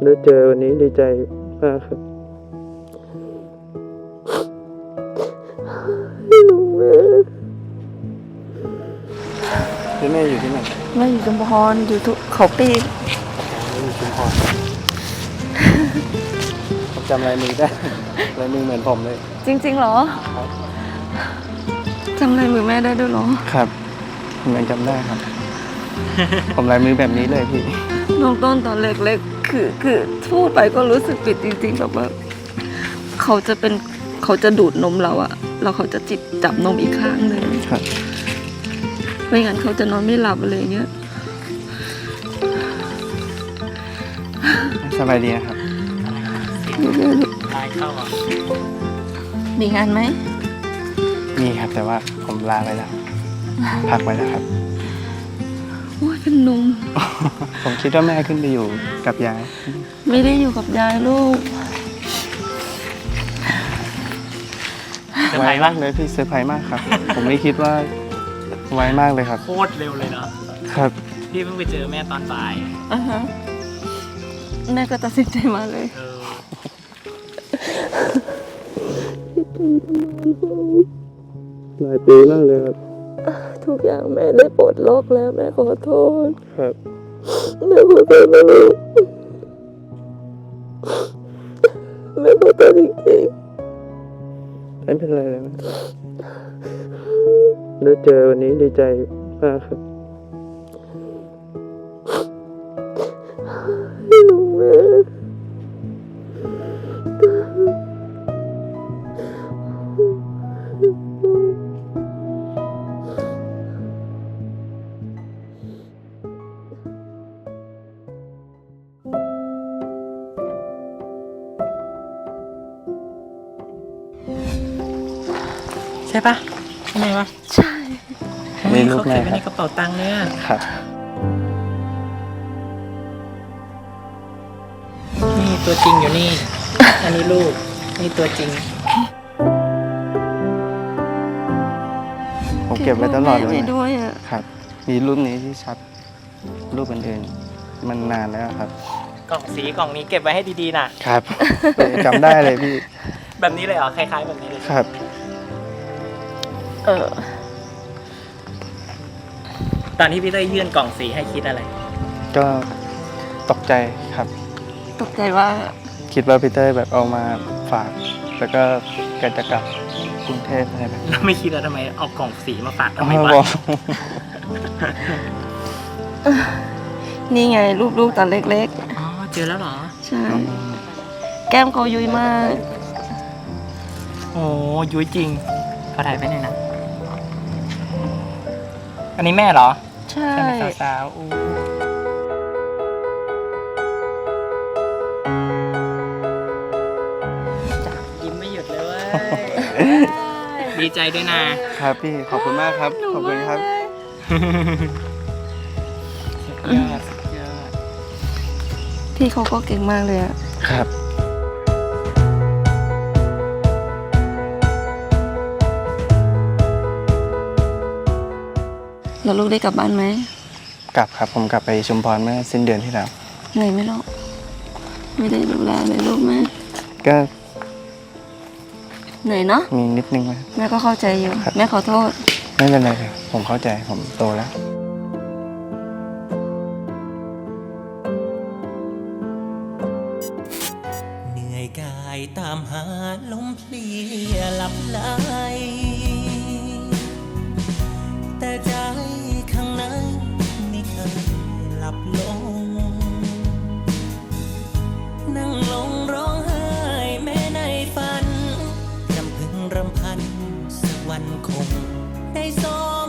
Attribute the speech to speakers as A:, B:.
A: ได้เจอวันนี้ดีใจมากครับแม่อยู่ที่ไหน
B: แม่อยู่ชุมพรอยู่ทุกเขาปีก
A: อยู่ชุมพรผมจำลายมือได้ลายมือเหมือนผมเลย
B: จริงๆเหรอจำลายมือแม่ได้ด้วยเหรอ
A: ครับผมยังจำได้ครับ ผมลายมือแบบนี้เลยพี่
B: น้องต้นตอนเล็กๆคือพูดไปก็รู้สึกผิดจริงๆแบบว่าเขาจะดูดนมเราอะแล้วเขาจะจับนมอีกข้างหนึ่งไม่งั้นเขาจะนอนไม่หลับอะไรเงี้ย
A: สบายดีนะครับ
C: ลายเข้าอ่ะ
B: มีงานไหม
A: มีครับแต่ว่าผมลาไปแล้วพักไว้แล้วครับ
B: โอ้ยเป็นนม
A: ผมคิดว่าแม่ขึ้นไปอยู่กับยาย
B: ไม่ได้อยู่กับยายลูก
A: ไวมากเลยพี่เซอร์ไพรส์มากครับ ผมไม่คิดว่าไวมากเลยครับ
C: โคตรเร็วเลยเนาะ
A: ครับ
C: พี่เพิ่งไปเจอแม่ตอนบ่าย
B: แม่ก็ตัดสินใจมาเลย
A: หลายปีมากเลยครับ
B: ทุกอย่างแม่ได้ปลดล็อกแล้วแม่ขอโทษ
A: ครับ
B: แม่ขอโทษนะลูกแม่ขอโทษจริง
A: ๆไม่เป็นไรเลยนะได้เจอวันนี้ดีใจมากครับ
B: ลูกแม่
C: ใช่ปะใช่ไหมวะ
B: ใช่
A: นี่ลูกแม่
C: เขาเก็บไว้ในกระเป๋าตังค์เนี่ย
A: ครับ
C: นี่ตัวจริงอยู่นี่ อันนี้ลูกนี่ตัวจริง
A: ผมเก็บไว้ตลอดเลย
B: ด้วย
A: ครับมีรูปนี้ที่ชัดรูปอื่นๆมันนานแล้วครับ
C: กล่องสีกล่องนี้เก็บไว้ให้ดีๆนะครับ
A: จำได้เลยพี่
C: แบบนี้เลยเหรอคล้ายๆแบบนี้เลย
A: ครับ
C: ตอนที่พี่เต้ยยื่นกล่องสีให้คิดอะไร
A: ก็ตกใจครับ
B: ตกใจว่า
A: คิดว่าพี่เต้ยแบบเอามาฝากแล้วก็แกจะกลับกรุงเทพอะไรแบบ
C: แล้วไม่คิดว่าทำไมเอากล่องสีมาฝากทำไมวะ
B: นี่ไงรูปตอนเล็ก
C: ๆอ๋อเจอแล้วเหรอ
B: ใช่แก้มเขายุ้ยมาก
C: โอ้ยุ้ยจริงขอถ่ายไปหน่อยนะอันนี้แม่เหรอ
B: ใช่
C: สาวๆยิ้มไม่หยุดเลยเว้ยดีใจด้วยนะครับ
A: พี่ขอบคุณมากครับขอบคุณครับ
C: สุดยอด
B: พี่เขาก็เก่งมากเลยอะ
A: ครับ
B: แล้วลูกได้กลับบ้านไหม
A: กลับครับผมกลับไปชุมพรเมื่อสิ้นเดือนที่แล้ว
B: เหนื่อยไหมลูกไม่ได้ดูแลเลยลูกแม่
A: ก็
B: เหนื่อยเนาะ
A: มีนิดนึงไหม
B: แม่ก็เข้าใจอยู่แม่ขอโทษ
A: ไม่เป็นไรเลยผมเข้าใจผมโตแล้ว
D: เหนื่อยกายตามหาลมเพลียหลับไหลแต่ใจข้างในไม่เคยหลับลงนั่งลงร้องไห้แม้ในฝันรำพึงรำพันสักวันคงได้ส